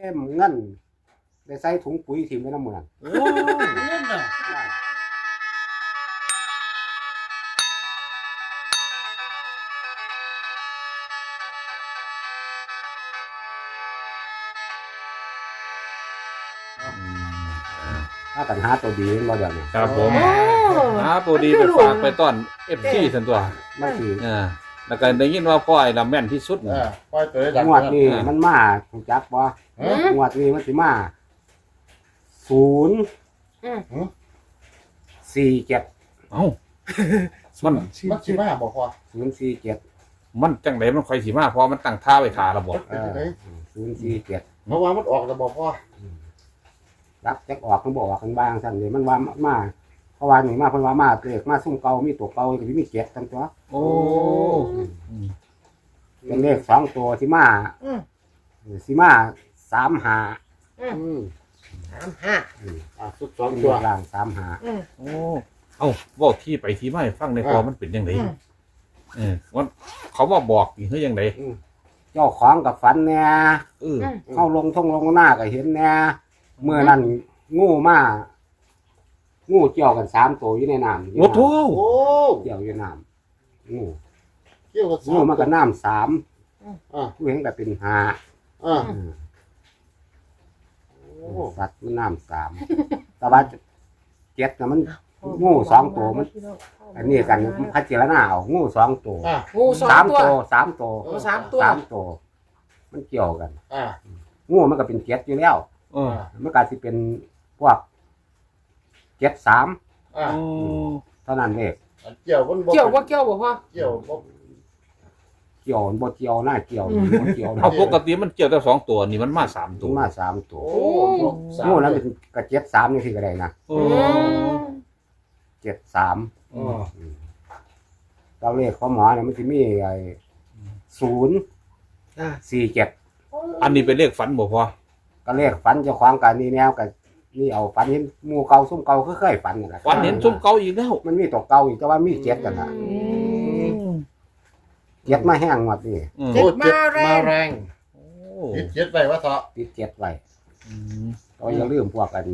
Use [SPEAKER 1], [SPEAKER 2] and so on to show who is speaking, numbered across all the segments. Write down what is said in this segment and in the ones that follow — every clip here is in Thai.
[SPEAKER 1] มเงินได้ใส่ถุงปุ๋ยถิ่มไว้น้ำมือนั่น
[SPEAKER 2] โอ้เงินน่ะ
[SPEAKER 1] ถ้ากันหาตัวดีบ่เดี๋ยวนี้
[SPEAKER 3] ครับผม
[SPEAKER 4] โอ้
[SPEAKER 3] ตัวดีไปฝากไปต้อนFCสันตัว
[SPEAKER 1] มันสิ
[SPEAKER 3] แล้วก็ได้ยินว่าพ่อไอ้ละแม่นที่สุด
[SPEAKER 2] ปล่อยตัวได้ดัง
[SPEAKER 1] งวดนี้มันมาถูกจักบ่งวดนี้มันสิมา047
[SPEAKER 3] เอ้ามัน
[SPEAKER 2] มันสิมาบ่พอ
[SPEAKER 1] 047
[SPEAKER 3] มันจังไดมันค่อยสิมาเพราะมันตั้งท่าไว้ท่าระบบ
[SPEAKER 1] 047
[SPEAKER 2] เพราะว่ามันออกแล้วบ่พอ
[SPEAKER 1] รับจักออกมันบ่ออกกันบ้างซั่นเลยมันว่ามาเพราะว่านี่มาเพิ่นว่ามาเลขมาซุ่มเก่ามีตัวเก่าก็สิมี7ทั้งตัว
[SPEAKER 3] โอ้
[SPEAKER 1] เป็นเลข2ตัวที่มาสิมา35
[SPEAKER 2] สุดสอง
[SPEAKER 1] เป็น
[SPEAKER 2] ตัว
[SPEAKER 1] ล่าง35
[SPEAKER 3] โอ้เอ้าบอกที่ไปที่มาให้ฟังในพอมันเป็นยังไงมันเขาว่าบอกนี่คือยังไง
[SPEAKER 1] เจ้าของกับฝันแน่ เข้าลงหน้าก็เห็นแน่เมื่อนั้นงูเกี่ยวกัน3ตัวอยู่ในน้ำ
[SPEAKER 3] โอ้โห
[SPEAKER 2] โอ้
[SPEAKER 1] เกี่ยวอยู่น้ำงู
[SPEAKER 2] เกี่ยวกับ
[SPEAKER 1] งูมันก็น้ำ3
[SPEAKER 2] อ่า
[SPEAKER 1] ผู้เห็นก็เป็น5
[SPEAKER 2] อ่าโอ้
[SPEAKER 1] สัตว์มันน้ำ3แต่ว่าเจ็ดน่ะมันงู2ตัวมันอันนี้กันมันพัดเจรนาเอางู2ตัว
[SPEAKER 4] งูสอง
[SPEAKER 1] 3
[SPEAKER 4] ตัว
[SPEAKER 1] ตัว3ตัว
[SPEAKER 4] งูสามตัว
[SPEAKER 1] 3ตัวมันเกี่ยวกัน
[SPEAKER 2] อ่า
[SPEAKER 1] งูมันก็เป็นเจ็ดอยู่แล้ว มันก็สิเป็นพวก73
[SPEAKER 2] อ่า
[SPEAKER 1] เท่านั้นเอง
[SPEAKER 2] เกี่ยวมันบ่
[SPEAKER 4] เกี่ยวว่าเกี่ยวบ่พ่อ
[SPEAKER 2] เกี่ยวบ่
[SPEAKER 1] เกี่ยวบ่เกี่ยวหน้าเกี่ยวบ่เกี่ยว
[SPEAKER 3] เอาปกติมันเกี่ยวแต่2ตัวนี่มันมา3ตัว
[SPEAKER 1] มา3ตัว
[SPEAKER 2] โอ้สาม
[SPEAKER 1] งูนั้นเป็นกระ73นี่สิก็ได้นะ
[SPEAKER 3] โอ้
[SPEAKER 1] 73
[SPEAKER 2] อ๋อ
[SPEAKER 1] ตัวเลขของหมอเนี่ยมันสิมีไอ้047
[SPEAKER 3] อันนี้เป็นเลขฝันบ่พอ
[SPEAKER 1] ก็เลขฝันเจ้าของกันนี่แนวก็นี่เอาฝันเห็นหมู่เก่าซุ่มเก่าคือเคยฝันนั่นแหละ
[SPEAKER 3] ฝันเห็นซุ่มเก่าอีกแล้ว
[SPEAKER 1] มันมีตัวเก่าอีกแต่ว่ามี7กันน่ะ7มาแห้งหมดนี่
[SPEAKER 2] โอ้เจ็ดมาแรงติดเจ็ดไปว่าเถาะ
[SPEAKER 1] ติด7ไว้ก็อย่าลืมพวกกัน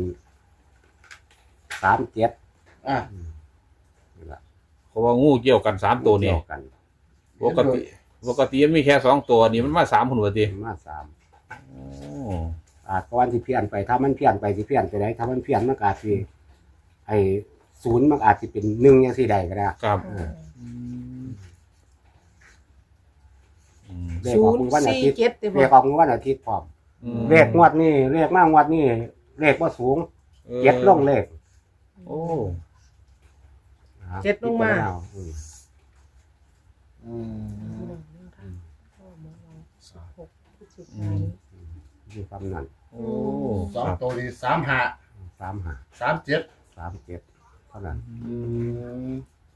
[SPEAKER 1] 37
[SPEAKER 2] อ่า
[SPEAKER 1] นี่ล่ะ
[SPEAKER 3] เพราะว่างูเกี่ยวกัน3ตัวนี่
[SPEAKER 1] เกี่ยวกัน
[SPEAKER 3] ปกติมันมีแค่2ตัวนี่มันมา3พุ่นว่าติ
[SPEAKER 1] มา3
[SPEAKER 3] โอ้
[SPEAKER 1] ก่อนที่เพี้ยนไปถ้ามันเพี้ยนไปสิเพี้ยนไปได้ถ้ามันเพี้ยนมันก็อาจสิไอ้0มันอาจสิเป็น1จังซี่ได้ก็ได้
[SPEAKER 3] ครับ
[SPEAKER 1] เลขออกมื้อวันอาทิตย์
[SPEAKER 4] 047ติ
[SPEAKER 1] เล
[SPEAKER 4] บ่
[SPEAKER 1] ขออกมื้อวันอาทิตย์พร้อมเลขงวดนี้เลขมางวดนี้เลขบ่สูงเจ็ดลงเลข
[SPEAKER 3] โอ้
[SPEAKER 4] เจ็ดลงมา
[SPEAKER 2] อืม
[SPEAKER 1] อยู่คำนั้น
[SPEAKER 3] โอ้
[SPEAKER 2] สองตัวดี35
[SPEAKER 1] 35
[SPEAKER 2] 37
[SPEAKER 1] 37เท่านั้น
[SPEAKER 2] อืม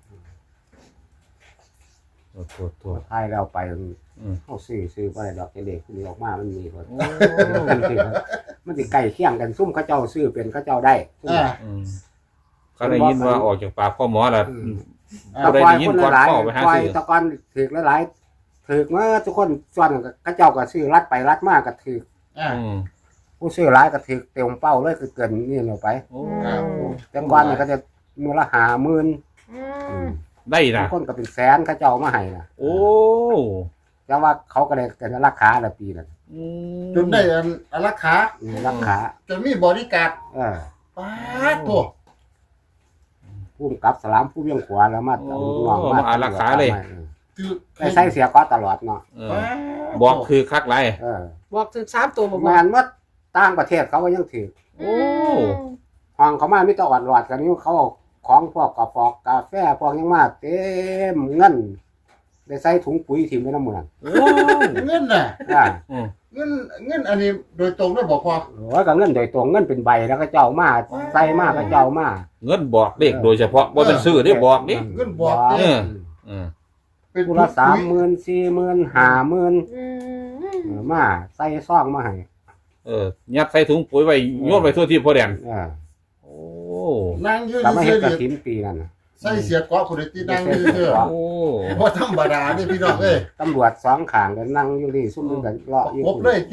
[SPEAKER 3] ตัว
[SPEAKER 1] ท้ายแล้วไปเฮาซื้อบ่ได้ดอกเลขที่ออกมามันมีคนมันสิใกล้เคียงกันซุ่มเขาเจ้าซื้อเป็นเขาเจ้าได้
[SPEAKER 2] อ่า
[SPEAKER 3] เขาได้ยินว่าออกจากปากพ่อหมอแล้ว
[SPEAKER 1] ตะกอนคนหลายปล่อยตะกอนถือหลายๆถือเมื่อทุกคนส่วนเขาเจ้าก็ซื้อรัดไปรัดมาก็ถือ
[SPEAKER 2] อ่า
[SPEAKER 1] ผู้ซื้อหลายก็ถือเต็มเป้าเลยคือเกินนี่ลงไป
[SPEAKER 3] โอ้
[SPEAKER 1] แต่ก่อนนี่ก็จะมือละ50,000
[SPEAKER 3] ได้นะ
[SPEAKER 1] คนก็เป็นแสนเขาเจ้ามาให้นะ
[SPEAKER 3] โอ้
[SPEAKER 1] แต่ว่าเขาก็ได้กันราคาละปีละ
[SPEAKER 2] จนได้อันราคา
[SPEAKER 1] ราคา
[SPEAKER 2] จนมีบริการป้าตัว
[SPEAKER 1] ผู้กำกับสลามผู้เวียงขวาแล้วมาเอาลูกน้องมา
[SPEAKER 3] ราคาเลย
[SPEAKER 2] คือ
[SPEAKER 1] ได้ใช้เสียก็ตลอดเนาะ
[SPEAKER 3] บอกคือคักไร
[SPEAKER 4] บอกถึง3ตัวบ่พ่
[SPEAKER 1] แม่
[SPEAKER 4] อน
[SPEAKER 1] ว่าต่างประเทศเขาก็ยังถือ
[SPEAKER 3] โอ้
[SPEAKER 1] ห้องเขามามีแต่อ่อนหลอดกันนี่เขาเอาของพวกกาแฟกาแฟพวกยังมาเต็มเงินได้ใส่ถุงปุ๋ยถิ่มไว้น้ำมือนั่น
[SPEAKER 3] โอ้
[SPEAKER 2] เงินน่ะ เงินอันนี้โดยตรงได้บอกพอ
[SPEAKER 1] โอ้ยก็เงินโดยตรงเงินเป็นใบแล้วก็เจ้ามาใส่มาก็เจ้ามา
[SPEAKER 3] เงินบอกเลขโดยเฉพาะว่าเป็นซื้อได้บอกนี่
[SPEAKER 2] เงินบอก เป็น
[SPEAKER 1] กุละ30,000 40,000 50,000มาใส่ซองมาให้
[SPEAKER 3] ยัดใส่ถุงปุ๋ยไว้โยนไปทั่วที่พ่อแดนโอ้
[SPEAKER 2] นั่งยืน
[SPEAKER 1] แต่ไม่เห็นกระ
[SPEAKER 2] เฉย
[SPEAKER 1] ถินปีนั่นน่ะ
[SPEAKER 2] ใส่เสียเกาะคนที่นั่งยืนเฉย
[SPEAKER 3] โอ้
[SPEAKER 2] เพราะธรรมดานี่พี่น้องเอ้ย
[SPEAKER 1] ตำรวจ2ข้างก็นั่งอยู่นี่ซุ่มกันเลาะอยู่
[SPEAKER 2] ครบเลยจี
[SPEAKER 3] โอ้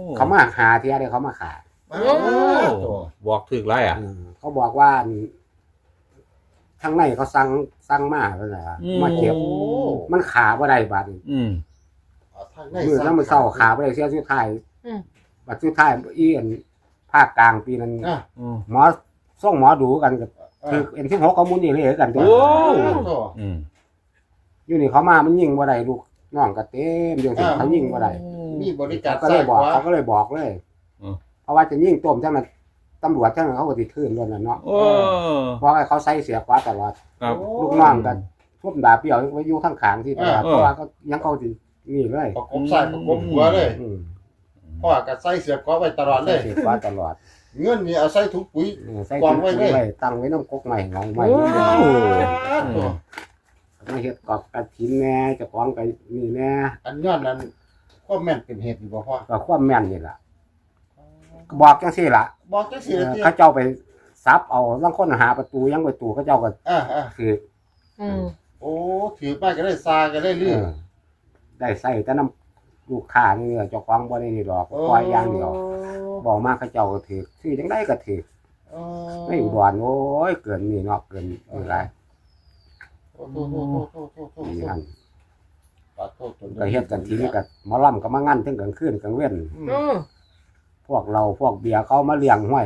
[SPEAKER 1] เขามาหาเที่ยเดียวเขามาขา
[SPEAKER 2] โอ้ตัว
[SPEAKER 3] บอกถึกไรอ่ะ
[SPEAKER 1] เขาบอกว่าทางในเขาสั่งมาเพิ่นน่ะมาเก็บ
[SPEAKER 2] โอ้
[SPEAKER 1] มันขาบ่ได้บาดนี้
[SPEAKER 2] ทางใน
[SPEAKER 1] มื้อนั้นมันเศร้าขาบ่ได้เสียสุดท้าย
[SPEAKER 4] อืม
[SPEAKER 1] บัดสุดท้ายอีอันภาคกลางปีนั้น
[SPEAKER 2] อ่ะ
[SPEAKER 1] หมอส่งหมอดูกันกับคือเอ็น16เขามุนนี่เลยกันตัว
[SPEAKER 3] โอ้
[SPEAKER 2] ตัว
[SPEAKER 1] อยู่นี่เขามามันยิงบ่ได้ลูกน้องก็เต็มอยู่ที่เขายิงบ่ได้
[SPEAKER 2] มีบริการ
[SPEAKER 1] เขาก็เลยบอก
[SPEAKER 2] ซ้ายขวา
[SPEAKER 1] เขาก็เลยบอกเลยเพราะว่าจะยิงต้มจังนั้นตำรวจจังนั้นเขาก็สิทื่นล้วนน่ะเนาะ
[SPEAKER 3] โอ้
[SPEAKER 1] เพราะว่าเขาใส่เสียขวาตลอด
[SPEAKER 3] ครับ
[SPEAKER 1] ลูกน้องกันทุ่มดาบเปรี้ยวไว้อยู่ข้างขางที่ตลาดเพราะว่าก็ยังเขาสินี่เลย
[SPEAKER 2] ประกบซ้ายประกบหัวเลย
[SPEAKER 1] อืม
[SPEAKER 2] พ่อก็ใส่เสียบก็ไว้ตลอดเลย
[SPEAKER 1] เสียขวาตลอด
[SPEAKER 2] เงินนี่เอาใส่ถุงปุ๋ย
[SPEAKER 1] ใส่
[SPEAKER 2] วา
[SPEAKER 1] ถุ
[SPEAKER 2] ง
[SPEAKER 1] ง
[SPEAKER 2] ไว้
[SPEAKER 1] ปุ๋ย
[SPEAKER 2] เลย
[SPEAKER 1] ไว้ตั้งไว้น้ำกกใหม่งองใหม่
[SPEAKER 2] ตัว
[SPEAKER 1] มาเฮ็ดกอบกระถินแหน่เจ้าของก็นี่แหน่
[SPEAKER 2] อันย้อนนั้นก็แม่นเป็นเหตุอยู่บ่พ่อ
[SPEAKER 1] ก็ความแม่นนี่ล่ะก็บอกจังซี่ล่ะ
[SPEAKER 2] บอกจังซี่ละติ
[SPEAKER 1] เขาเจ้าไปซับเอาลางคนหาประตูยังประตูเขาเจ้าก็ คือ
[SPEAKER 4] อืม
[SPEAKER 2] โอ้ถือไปก็ได้ซาก็ได้ลื่น
[SPEAKER 1] ได้ใส่แต่น้ำลูกค้านี่เจ้าของบ่ได้นี่ดอกปล่อยอย่างเดียวบอกมาเขาเจ้าก็ถือซื้อจังได๋ก็ถือไม่อุดรโอ้ยเกินนี่เนาะเกินหลาย
[SPEAKER 2] โอ้โห
[SPEAKER 1] นี่อัน
[SPEAKER 2] ปาโทษตัว
[SPEAKER 1] ก็เฮ็ดกันทีนี้ก็หมอลำก็มางั้นถึงกลางคืนกลางเว้น
[SPEAKER 4] อืม
[SPEAKER 1] พวกเราพวกเบียร์เขามาเลี้ยงห้วย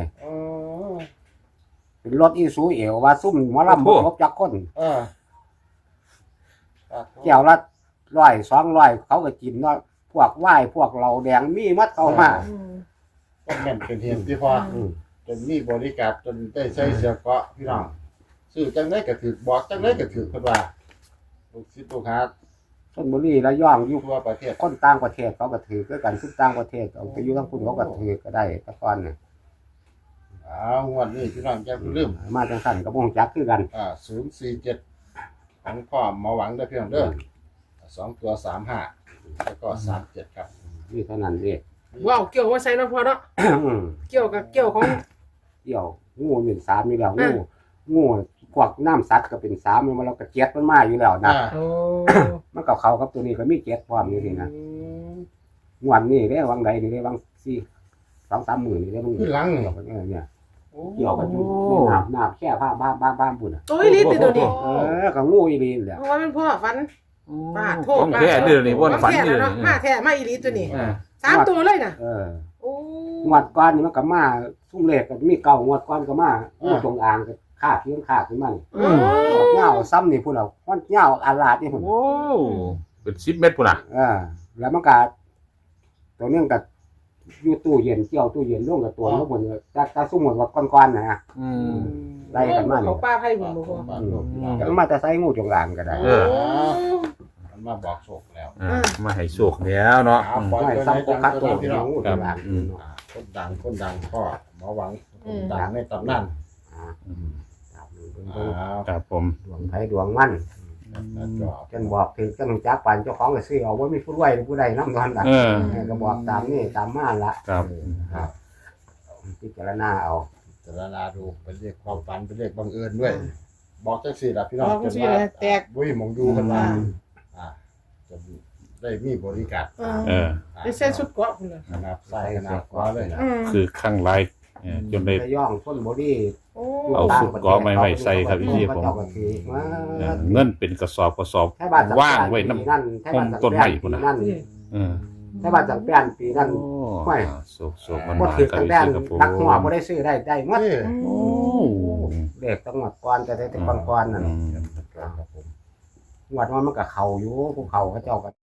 [SPEAKER 1] เป็นรถอีซูเอวว่าซุ่มหมอลำบ่ครบจักคนแก้วละ100 200เขาก็กินเนาะพวกวายพวกเราแดงมีมัดเข้ามา
[SPEAKER 4] อืม
[SPEAKER 2] ก็แม่นเป็นเหตุที่พ่อจนมีบริการจนได้ใช้เสียเกาะพี่น้องซื้อจังได๋ก็ถือบอกจังได๋ก็ถือเพิ่นว่าลูกศิษย์ลูกหา
[SPEAKER 1] ชลบุรีระยองอยู่
[SPEAKER 2] ทั่วประเทศ
[SPEAKER 1] คนต่างประเทศเขาก็ถือคือกันซุ่มต่างประเทศเอาไปอยู่ทั้งคุณเขาก็ถือก็ได้แต่ก่อนน่ะ
[SPEAKER 2] งวดนี้พี่น้องอย่าลืม
[SPEAKER 1] มาจังซั่นก็บ่ฮู้จักคือกัน
[SPEAKER 2] 047ของพ่อหมอหวังเด้อพี่น้องเด้อ2ตัว35แล้วก็37ครับ
[SPEAKER 1] นี่เท่านั้นเอง
[SPEAKER 4] ว้าวเกี่ยวว่าใส่เนาะพ่อเนาะเกี่ยวกับเกี่ยวของ
[SPEAKER 1] เกี่ยวงูเป็น3อยู่แล้วงูพวกน้ำสัตว์ก็เป็น3มันแล้วก็เจ็ดมันมาอยู่แล้วนะ
[SPEAKER 4] โอ้
[SPEAKER 1] มันก็เข้ากับตัวนี้ก็มีเจ็ดพร้อมอยู่นี่นะงวดนี้เด้วังใดนี่เด้วัง2-3มื้อนี่เด้มึง
[SPEAKER 2] ขึ้นหลังนี่
[SPEAKER 1] เนี่ยเกี่ยวกันอยู่น้ำแค่ผ้าบ้านพุ่นน่ะ
[SPEAKER 4] ตัวอีหลีติดตัวนี้
[SPEAKER 1] ก็งูอีหลีแหละ
[SPEAKER 4] เพราะว่ามันพ่อฟันป้าโทษ
[SPEAKER 3] ต้องแค่เดือนนี้ว่าฝัน
[SPEAKER 4] แท้
[SPEAKER 3] เดือน
[SPEAKER 4] เนาะ
[SPEAKER 3] นี้
[SPEAKER 4] มาแท้มาอีหลีตัวนี้3ตัวเลยน่ะโอ้
[SPEAKER 1] งวดก่อนนี่มันก็มาซุ่มเลขก็มีเก่างวดก่อนก็มางูจงอางก็ฆ่าเพียงฆ่าขึ้นมานี่เหย้าซ้ำนี่พุ่นน่ะมันเหย้าอาลาดนี่พุ่น
[SPEAKER 3] โอ้เป็น10 เมตรพุ่นน่ะ
[SPEAKER 1] แล้วมันก็ตัวนึงก็อยู่ตู้เย็นเกี่ยวตู้เย็นลงกับตัวแล้วพุ่นแต่ซุ่มหมดว่าก่อนๆน่ะ ได้กันมานี่
[SPEAKER 4] เขาป้าไผ่บ่พ่อ
[SPEAKER 1] ก็มาแต่ใส่งูจงอางก็ได้
[SPEAKER 2] มันมาบอกโชคแล้ว
[SPEAKER 3] มาให้โชคแล้วเนาะ
[SPEAKER 1] ไม่ซ้ำก็คัดตัวงูจงอาง
[SPEAKER 2] คนดังพ่อหมอหวังคนดังในตำนาน
[SPEAKER 3] ครับผม
[SPEAKER 1] ดวงไผดวงมันจนบอกถึงจังจักปันเจ้าของก็ซื้อเอาไว้มีผู้รวยผู้ใดนำนอนดักก็บอกตามนี่ตามมาละ
[SPEAKER 3] ครับ
[SPEAKER 1] พิจารณาเอา
[SPEAKER 2] จารณาดูเป็นเลขความฝันเป็นเลขบังเอิญด้วย บอกจังสี่ล่ะพี่น้อง
[SPEAKER 4] บอกจังซี่ล่ะแตก
[SPEAKER 2] บุ้ยมองดูกันมาจะได้มีบริการ
[SPEAKER 4] ได้ใส่ชุดเกราะพุ่นน่ะ
[SPEAKER 2] ขนาดใส่ขนาดกว่าเลย
[SPEAKER 3] คือข้างไลายจนได้
[SPEAKER 1] ระย่องต้นบอดี้
[SPEAKER 4] โอ้
[SPEAKER 3] เอาสุดเกาะใหม่ๆใส่ครับพี่ผม เงินเป็นกระสอบว่างไว้น้ำต้นไม้พุ่นน่ะ
[SPEAKER 1] นั่น
[SPEAKER 3] เออ
[SPEAKER 1] ถ้าบ้านสังแป้นปีนั้น ไม่
[SPEAKER 3] โศกมัน
[SPEAKER 1] บ่
[SPEAKER 3] มา
[SPEAKER 1] ถือ
[SPEAKER 3] กับ
[SPEAKER 1] สัง
[SPEAKER 3] พี่
[SPEAKER 1] แป้น
[SPEAKER 3] ครับผม
[SPEAKER 1] นักหัวบ่ได้ซื้อได้หมด
[SPEAKER 3] โอ้
[SPEAKER 1] เด็กตั้งหมดก่อนจะได้แต่ก่อนๆนั่นงวดมันก็เข้าอยู่ภูเขาเขาเจ้าก็